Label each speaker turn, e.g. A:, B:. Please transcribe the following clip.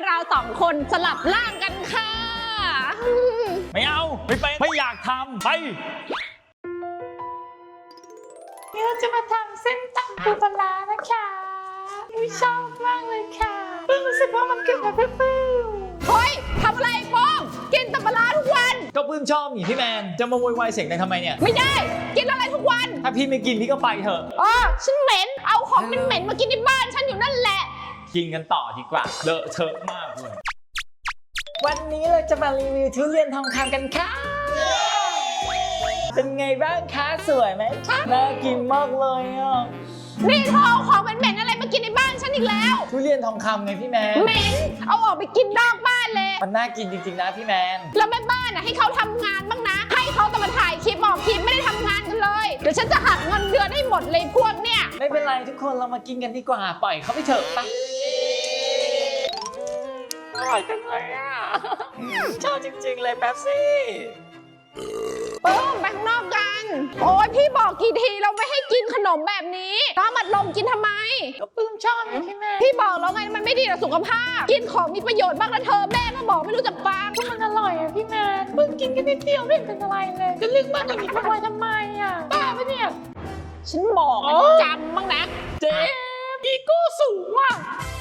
A: เราสองคนสลับร่างกันค่ะ
B: ไม่เอาไม่ไปไม่อยากทำไป
C: เราจะมาทำเส้นตำปูปลาร้านะคะชอบมากเลยค่ะรู้สึกว่ามันเกิดมาเปรี้ยว
A: เฮ้ยทำอะไรโป้งกินแต่ปลาร้าทุกวัน
B: ก็ปื้มชอบนี่พี่แมนจะมาโวยวายเสียงดังทำไมเนี่ย
A: ไม่ได้กินอะไรทุกวัน
B: ถ้าพี่ไม่กินพี่ก็ไปเถอะ
A: ฉันเหม็นเอาของเหม็นๆมากินในบ้านฉันอยู่นั่นแหละ
B: กินกันต่อดีกว่าเลอะเทอะมากเลยวันนี้เราจะมารีวิวทุเรียนทองคำกันค่ะเป็นไงบ้างคะสวยไหมคะน่ากินมากเลยอ่ะ
A: นี่เธอเอาของเหม็นๆอะไรมากินในบ้านฉันอีกแล้ว
B: ทุเรียนทองคำไงพี่แมน
A: เหม็นเอาออกไปกินนอกบ้านเลย
B: มันน่ากินจริงๆนะพี่แมน
A: แล้วแม่บ้านให้เขาทำงานบ้างนะให้เขาแต่มาถ่ายคลิปออกคลิปไม่ได้ทำงานกันเลยเดี๋ยวฉันจะหักเงินเดือนให้หมดเลยพวกเนี่ย
B: ไม่เป็นไรทุกคนเรามากินกันดีกว่าปล่อยเขาไปเถอะไปอร่อยจังเลยอ่ะชอบจริงๆเลยแป๊บซี่
A: ไปข้างนอกกันโอ้ยพี่บอกกี่ทีเราไม่ให้กินขนมแบบนี้น้ำอัดลมกินทำไม
C: ก็ปื้มชอบนะพี่แม่
A: พี่บอกแล้วไงมันไม่ดีต่อสุขภาพกินของมีประโยชน์บ้างนะเธอแม่ก็บอกไม่รู้จักฟัง
C: มันอร่อยอะพี่แม่ปื้มกินกันนิดเดียวไม่เป็นอะไรเลยจะเลือกมากอย่างนี้ทำไมอะบ้าปะเนี่ย
A: ฉันบอกจำบ้างนะ
C: เจ๊อีโก้สูงว่ะ